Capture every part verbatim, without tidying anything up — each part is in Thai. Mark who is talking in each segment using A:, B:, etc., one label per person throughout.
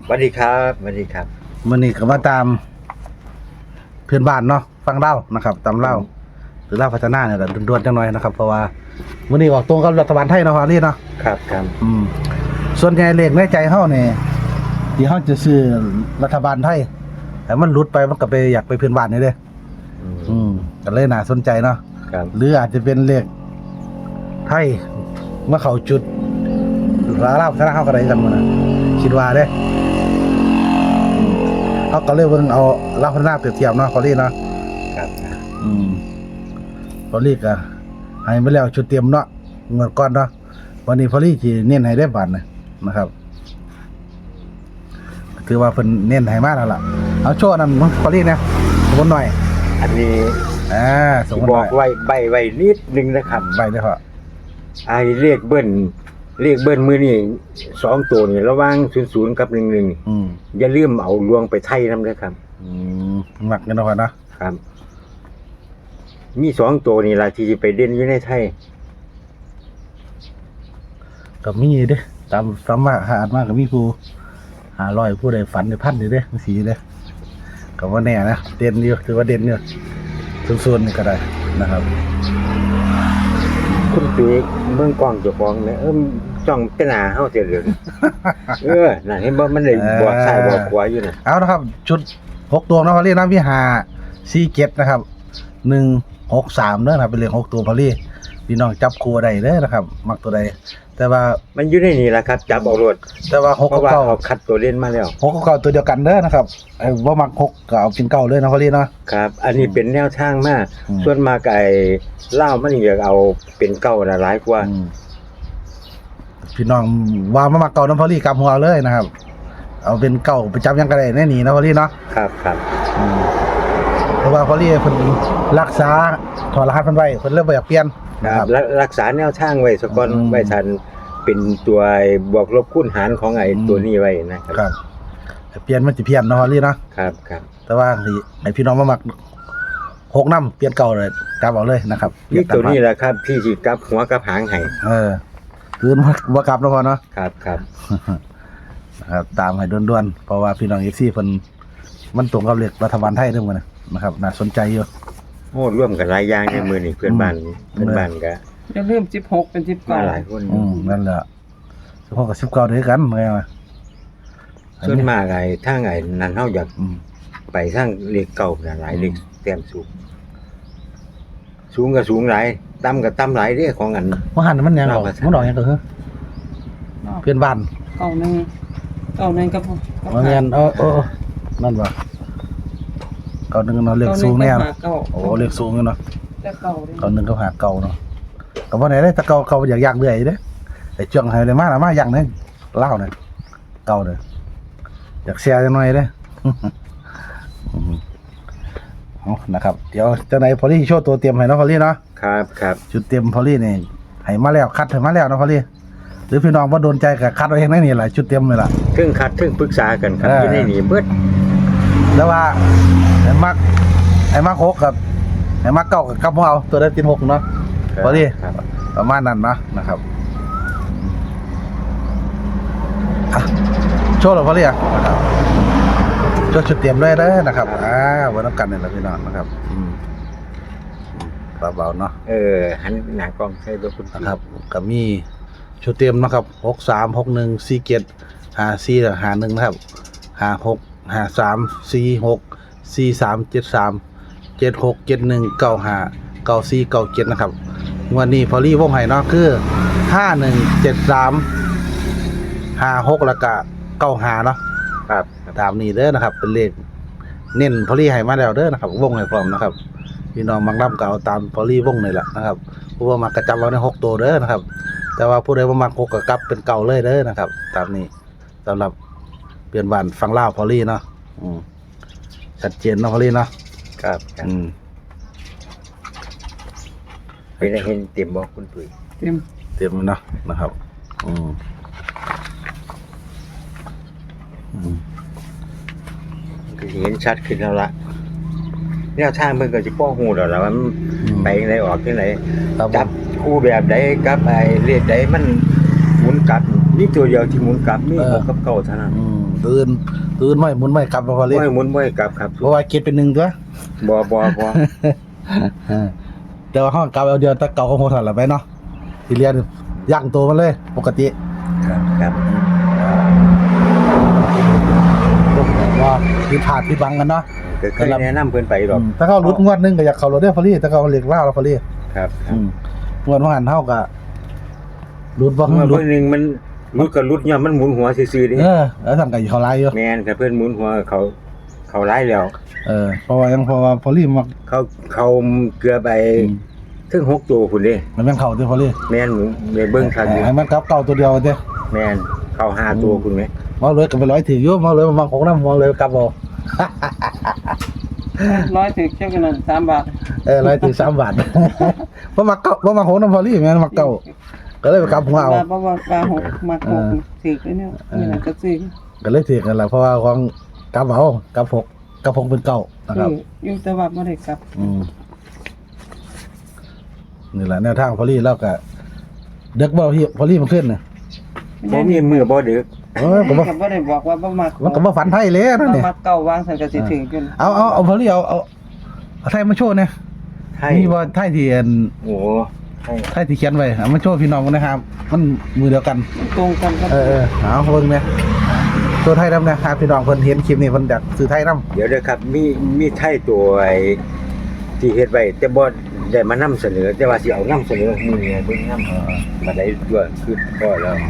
A: วัสดีครับสวัสดีครับ
B: มื้อนี้ก็มาตามเพื่อนบ้านเนาะฟังเล่านะครับตามเล่าหรือเล่าพัฒนาเนี่ยแหละด่วนๆจังหน่อยนะครับเพราะว่ามื้อนี้ออกตรงกับรัฐบาลไทยเนาะฮารี่เนาะ
A: ครับครับ
B: อืมส่วนใหญ่เลขในใจเฮานี่ที่เฮาจะซื้อรัฐบาลไทยแต่มันหลุดไปมันก็ไปอยากไปเพื่อนบ้านนี่เด้อืมก็เลยน่าสนใจเนาะ
A: ครับ
B: หรืออาจจะเป็นเลขไทยเมื่อเขาจุดลาลาพัฒนาเฮาก็ได้กันมื้อน่ะคิดว่าเด้เขาก็เลยเบิ่งเอาลาพัฒนาเปรียบเทียบเนาะพอลี่เนาะ
A: ครับ
B: อืมพอลี่ก็ให้ไปแล้วชุดเตรียมเนาะเมื่อก่อนเนาะวันนี้พอลี่สิเน้นให้ได้บาทนะครับถือว่าเพิ่นเน้นให้มาแล้วล่ะเอาโชว์นั่นพอลี่นะสมมุติหน่อย
A: อันนี้
B: อ่าสมมุติ
A: บอกไว้ใบไว้นิดนึงนะครับ
B: ใบเด้อพ่อ
A: ไอ้เลขเบิ้ลเลขเบิ้ลมื้อนี้สองตัวนี่ระหว่างศูนย์ ศูนย์กับหนึ่ง หนึ่ง
B: อืม
A: อย่าลืมเอาลวงไปไทยนำเด้อครับ
B: อืมมักกันเนาะพ่อเนาะ
A: ครับมีสองตัวนี่ล่ะที่สิไปเด่นอยู่ในไทย
B: ก็มีเด้ตามสามารถหาอ่านมาก็มีผู้ห้าร้อยผู้ใดฝันได้พันเด้จังซี่เด้ก็บ่แน่นะเด่นอยู่ถือว่าเด่นอยู่ส่วนๆนี่ก็ได้นะครับ
A: คุณปีเบิ่งกล้องเจ้าของเนี่ยเออจ้องเป็นหน้าเฮาเสียเหลืองเออน่ะเห็นบ่มันได้บอกซ้ายบอกขวาอยู่น่ะ
B: เอานะครับชุดหกตัวเนาะพอลี่นะพี่ห้า สี่ เจ็ดนะครับหนึ่ง หก สามเด้อนะครับเป็นเลขหกตัวพอลี่พี่น้องจับคู่ได้เด้อนะครับมักตัวใดแต่ว่า
A: มันอยู่ในนี่แหละครับจับเอาโลด
B: แต่ว่าหกกับเก้า
A: คัดตัวเล่นมาแล้ว
B: หกกับเก้าตัวเดียวกันเด้อนะครับไอ้บ่มักหกก็เอาเป็นเก้าเลยนะพอลี่เนาะ
A: ครับอันนี้เป็นแนวทางมากส่วนมากไอ้ลาวมันอยากเอาเป็นเก้าน่ะหลายกว่า
B: พี่น้องว่ามามักเก้านำพอลี่กลับหัวเลยนะครับเอาเป็นเก้าไปจับยังก็ได้แน่นี่นะพอลี่เนาะ
A: ครับครับ
B: อืมเพราะว่าพอลี่เพิ่นรักษาถอดรหัสเพิ่นไว้เพิ่นเลยบ่อยากเปลี่ยน
A: ครับรักษาแนวทางไว้ซะก่อนไว้ทันเป็นตัวบวกลบคูณหารของไอ้ตัวนี้ไว้นะครับ
B: เปลี่ยนมันสิเพี้ยนเนาะพอลี่เนาะ
A: ครับครับ
B: แต่ว่าให้พี่น้องมามักหกนำเปลี่ยนเก่าเลยกลับเอาเลยนะครับ
A: นี่ตัวนี้แหละครับที่สิกลับหัวกลับหางให้
B: เออคือบ่กลับแล้วพอเนาะ
A: ครับครับ
B: นะครับตามให้ด่วนๆเพราะว่าพี่น้อง เอฟ ซี เพิ่นมันตรงกับเลขรัฐบาลไทยเด้อมื้อนี้นะครับน่าสนใจอยู่
A: โอ้ร่วมกันหลายอย่างในมื้อนี้เพื่อนบ้านเพื่อนบ้านก็
C: อย่าลืมสิบหกเป็นสิบเก้า
A: หลายคน
B: อืมนั่นแหละสิบหกกับสิบเก้าด้วยกันไงว่า
A: ส่วนมากไอ้ทางไอ้นั่นเฮาอยากไปทางเลขเก่าน่ะหลายเลขแต้มสูงสูงก็สูงหลายต่ำก็ต่ำหลายเด้ของอัน
B: บ่หันมันยังออกมันดอกยังก็คือเพื่อนบ้าน
C: เก้าหนึ่งเก้าหนึ่งกับ
B: บ่แม่นเออๆนั่นบ่เก้าหนึ่งเนาะเลขสูงแน่โอ้เลขสูงอยู่เนาะ
C: แต่เก้า
B: เก้าหนึ่งก็หาเก่าเนาะก็บ่ได้เด้แต่เก่าเก่าอยากๆเรื่อยเด้ไอ้จ้องให้ได้มาล่ะมาอย่างนึงลาวน่ะเก่าเด้ออยากแชร์จังหน่อยเด้เอานะครับเดี๋ยวจังได๋พอลี่โชว์ตัวเตรียมให้เนาะพอลี่เนาะ
A: ครับครับ
B: ชุดเตรียมพอลี่นี่ให้มาแล้วคัดให้มาแล้วเนาะพอลี่หรือพี่น้องบ่โดนใจก็คัดเอาเองได้นี่ล่ะชุดเตรียมนี่ล่ะ
A: เทึ่งคัดเทึ่งปรึกษากันครับอยู่ในนี่เบิด
B: แล้วว่าไอ้มักไอ้มักหกกับไอ้มักเก้ากับกับเอาตัวได้ติดหกเนาะพอลี่ประมาณนั้นเนาะนะครับโชว์หรอพอลี่อ่ะนะครับโชว์ชุดเตรียมด้วยเด้อนะครับอ่าวันน้ำกันนี่แหละพี่น้องนะครับเบาๆเนาะ
A: เออหันหน้ากล้องใส่ตัวคุณ
B: นะครับก็มีชุดเตรียมนะครับหกสาม หกหนึ่ง สี่เจ็ด ห้าสี่ ห้าหนึ่งนะครับห้าหก ห้าสาม สี่หก สี่สาม เจ็ดสาม เจ็ดหก เจ็ดหนึ่ง เก้าห้า เก้าสี่ เก้าเจ็ดนะครับวันนี้พอลี่วงไห้เนาะคือห้าหนึ่ง เจ็ดสาม ห้าหกแล้วก็เก้าห้าเนาะ
A: ครับ
B: ตามนี้เด้อนะครับเป็นเลขเน้นพอลี่ให้มาแล้วเด้อนะครับวงให้พร้อมนะครับพี่น้องบางลำก็เอาตามพอลี่วงนี่แหละนะครับผู้ว่ามากระจำไว้ในหกตัวเด้อนะครับแต่ว่าผู้ใดบ่มักหกก็กลับเป็นเก่าเลยเด้อนะครับตามนี้สำหรับเปลี่ยนบ้านฟังลาวพอลี่เนาะอืมชัดเจนเนาะพอลี่เนาะ
A: ครับ
B: อืม
A: เป็นเห็นเต็มบ่คุณปุ๋ย
C: เต็ม
B: เต็มเนาะนะครับอืม
A: ก็เห็นชัดขึ้นแล้วล่ะแนวทางเพิ่นก็สิป้อฮู้แล้วล่ะว่ามันไปจังได๋ออกจังได๋จับคู่แบบใดกับไอ้เลขใดมันหมุนกลับมีตัวเดียวที่หมุนกลับมีหกกับเก้าเท่านั้น
B: ตื่นตื่นไม่หมุนไม่กลับมาพอลี่
A: บ่ให้หมุนบ่ให้กลับครับ
B: เพราะว่าเก็ตเป็นหนึ่งตัว
A: บ่บ่บ่
B: เออแต่ว่าห้องกลับเอาเดียวแตะเก่าของโหทันละไปเนาะที่เรียนย่างตัวมันเลยปกติ
A: ครับครับ
B: ว่าผิดพลาดผิดบังกันเนาะ
A: ก็เคยแนะนำเพิ่นไปดอก
B: อืมถ้าเขารุดงวดหนึงก็อยากเข้ารถได้พอลี่ถ้าเขาเรียกล่าเราพอลี่
A: ครับครั
B: อื
A: บ
B: มงวดว่าหันเท่ากับรุดบ่
A: เมื่อ
B: รุด
A: เพิ่นนึงมันรุดก็รุดย้อนมันหมุนหัวซื่อๆดิ
B: เออแล้วสั่งไก่เขาไล่อยู่
A: แม่นถ้าเพิ่นหมุนหัวเขาเขาร้ายแล้ว
B: เออเพราะว่ายังเพราะว่าพอลี่มัก
A: เขาเขาเกลือไป
B: อืม
A: ถึงหกตัวพุ่นเด้
B: มันเป็นเข่าที่พอลี่
A: แม่นหมูแม่เบิ่งคักอยู่
B: ให้มันกลับเก่าตัวเดียวเด้
A: แม่นเข้าห้าตัวพุ่นแม่
B: มาเลยก็ไปร้อยถืออยู่มาเลยมาของน้ำมาเลยกลับเอา
C: ร้อยถึงเจ้ากันนั่นสามบาท
B: เออร้อยถือสามบาท เพราะมาเก่าเพราะมาของน้ำพอลี่แม่นมาเก่าก็เลยไปกลับหัวเอา
C: บาทบ่ว่าบาทหกมาหกถึกเลยเนี่ยนี่น่ะก็ซื้อ
B: ก็เลยถือกันแหละเพราะว่าของกลับเอากลับหกกลับหกเป็นเก่านะครับ
C: ซื้ออยู่แต่ว่าบ่ได้กลับ
B: อืมนี่แหละแนวทางพอลี่แล้วก็เด็กบ่พี่พอลี่มันขึ้นน่ะ
A: บ่มีมือบ่ดึก
B: เออก็บ่
C: ก็บ่ได้บอกว่าบ่มัก
B: มันก็บ่ฝันไทยเลยนั่น
C: บ่
B: นี่
C: มักเก่าวางสันก็สิถึงจน
B: เอาเอาเอาพอลี่เอาเอาเอาไทยมาโชว์เนี่ย
A: ให้
B: มีบ่ไทยที่อัน
A: โอ้ให้
B: ไทยที่เขียนไว้เอามาโชว์พี่น้องกันนะครับ มันมือเดียวกัน
C: ตรงกันครับ
B: เออเออเอาเบิ่งเนี่ยตัวไทยนำนะครับพี่น้องเพิ่นเห็นคลิปนี้เพิ่นอยากซื้อไทยนำ
A: เดี๋ยวเด้อครับมีมีไทยตัวไอ้ที่เฮ็ดไว้แต่บ่ได้มานำเสนอ แต่ว่าสิเอานำเสนอมื้อนี้เบิ่งนำบัดใดตัวคือพอแล้ว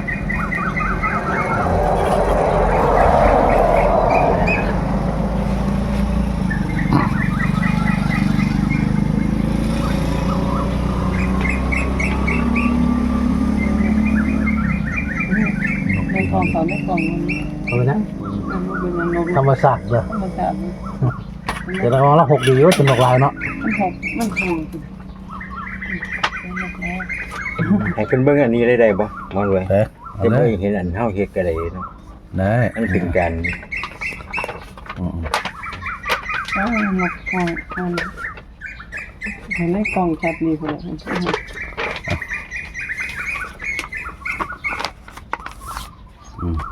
C: ในกล่องเขาในกล่องมัน
B: เอานะ
C: มันเป็นยังไง
B: ธรรมศาสตร์เด้อ
C: ธรรมชาติ
B: เดี๋ยวเราละหกดีว่าจะนกลายเนาะ
C: มันหกมันถูก
A: ให้เพิ่นเบิ่งอันนี้ได้ได้บ่มอนไว้
B: เด้อเอา
A: จะ
B: เล
A: บ่
B: ย
A: เห็นอันเฮาเฮ็ดก็ได้เนาะ
B: ได้
A: มันเป็นการ
B: อืม
C: อ๋อมันกล่องมันเห็นในกล่องชัดดีพุ่น
B: อืม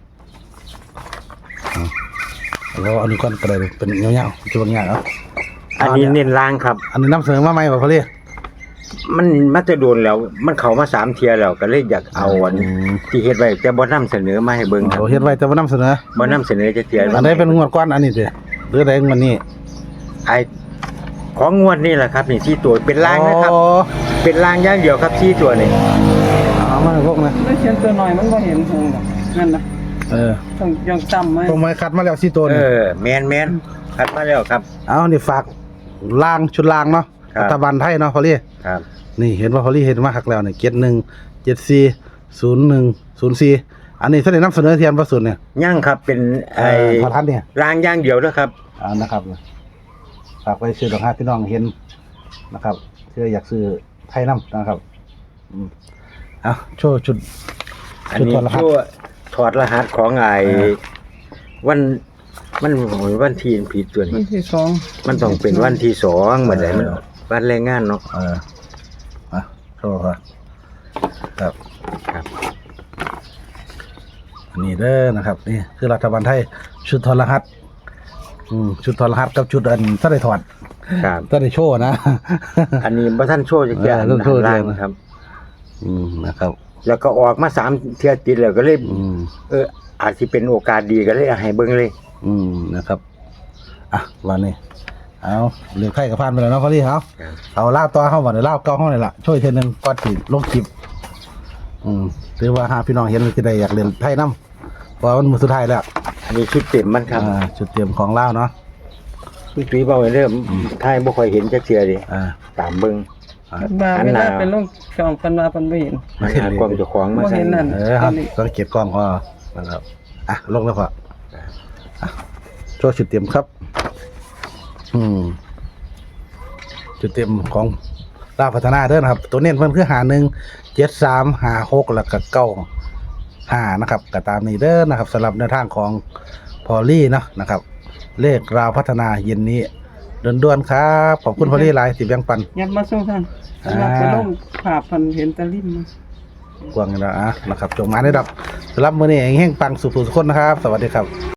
B: เอาแล้วอันนี้ก่อนก็ได้เป็นเงี้ยวๆจะเป็นเงี้ยเนาะ
A: อันนี้เน้นล่างครับ
B: อันนี้นำเสนอมาใหม่บ่พอลี่
A: มันมาจะโดนแล้ว มันเข้ามาสามเที่ยแล้วก็เลยอยากเอาอัน
B: อืม
A: ที่เฮ็ดไว้แต่บ่นำเสนอมาให้เบิ่งครับ
B: เราเฮ็ดไว้แต่ว่านำเสนอ
A: บ่นำเสนอจักเที่ย
B: อันใดเป็นงวดก้อนอันนี้เด้อหรือใดงวดนี้
A: ไอ้ของงวดนี่แหละครับนี่สี่ตัวเป็นล่างนะครับ
B: อ๋อ
A: เป็นล่างอย่างเดียวครับสี่ตัวนี่
B: เอามาให้พวกนะ
C: แล้วเขียนตัวหน่อยมันบ่เห็นหงหรอกนั่นน่ะ
B: เออ
C: ต้องยังจำไว้
B: ตรงไม้คัดมาแล้วสี่ตัว
A: เอ
B: นี่
A: อแม่นแม่นคัดมาแล้วครับ
B: เอานี่ฝากล่างชุดล่างเนาะ
A: ครับ
B: รัฐบาลไทยเนาะพอลี่
A: ครับ
B: นี่เห็นว่าพอลี่เห็นมาคักแล้วนี่เจ็ดหนึ่งเจ็ดสี่ศูนย์หนึ่งศูนย์สี่อันนี้เสนอนำเสนอเทียนประสุนเนี่ย
A: ย่างครับเป็นไอ้
B: พอทันเนี่ย
A: ล่างอย่างเดียวนะครับ
B: อ่านะครับฝากไปซื้อดอกฮาพี่น้องเห็นนะครับเชื่ออยากซื้อไทยน้ำนะครับอืมเอาโชว์ชุด
A: อันนี้
B: ชุดถอดรหัส
A: ชั่วถอดรหัสของไอ้
B: เออ
A: วันมันโอ้ยวันที่ผิดตัว
C: วั
A: นี้
C: นที่สอง
A: มันต้องเป็นวันที่สองเหมือนไดมันวันแรงงานเนาะ
B: เออมาโชว์ครับครับ
A: ครับ
B: อันนี้เด้อนะครับนี่คือรัฐบาลไทยชุดถอดรหัสอืมชุดถอดรหัสกับชุดอันถ้าได้ถอด
A: ครับ
B: ถ้าได้โชว์นะ
A: อันนี้บ่ท่านโชว์จักอย่าง
B: เออต้องโชว์
A: ล่าง
B: เลยนะ
A: ครับ
B: อืมนะครับ
A: แล้วก็ออกมาสามเที่ยติดแล้วก็เลย
B: อืม
A: เอออาจสิเป็นโอกาสดีก็เลยเอาให้เบิ่งเลย
B: อืมนะครับอ่ะวันนี้เอาเลือกไข่กับพานไปแล้วเนาะพอดีเอา
A: ครับ
B: เอาลาบต่อเข้ามาเดี๋ยวลาบเก้าห้องเลยล่ะช่วยเทอนึงก่อนสิลงคลิปอืมถือว่าหาพี่น้องเห็นมันจะได้อยากเรียนไทยน้ำเพราะมันมือสุดท้ายแล้ว
A: อันนี้ชุดเต็มมันครับ
B: อ่าจุดเตรียมของลาวเนาะ
A: พี่ตุ้ยเว้าไว้เด้อท้ายบ่ค่อยเห็นจักเที่ยดิ
B: อ่า
A: ตามเบิ่ง
B: อ่า
C: บา
A: อัน
C: เว
A: น่ะ
C: ลาเป็นลงช่องกันมาเพิ่นบ่เห็น
A: มันหากล้องเจ้าของมา
C: บ่
A: ใส่
C: เห็นนั่น
B: เออครับสังเกตกล้องก็นะครับอ่ะลงแล้วก็อ่ะโชว์จุดเตรียมครับ อืมจุดเตรียมของลาวพัฒนาเด้อนะครับ ตัวเน้นเพิ่นคือหาหนึ่งเจ็ดสามหาหกแล้วก็เก้าห้านะครับก็ตามนี้เด้อนะครับสำหรับแนวทางของพอลลี่เนาะนะครับ เลขราวพัฒนาเย็นนี้ด่วนๆครับขอบคุณพอลลี่หลายที่แบ่งปัน
C: ยับมาส่งท่าน
B: อ่า
C: สำหรับไปลงภาพเพิ่นเห็นแตะลิ่มมา
B: กวางกันแล้วอ่ะนะครับจงมาได้ดับสำหรับมื้อนี้แห่งปังสุขสุขคนนะครับ สวัสดีครับ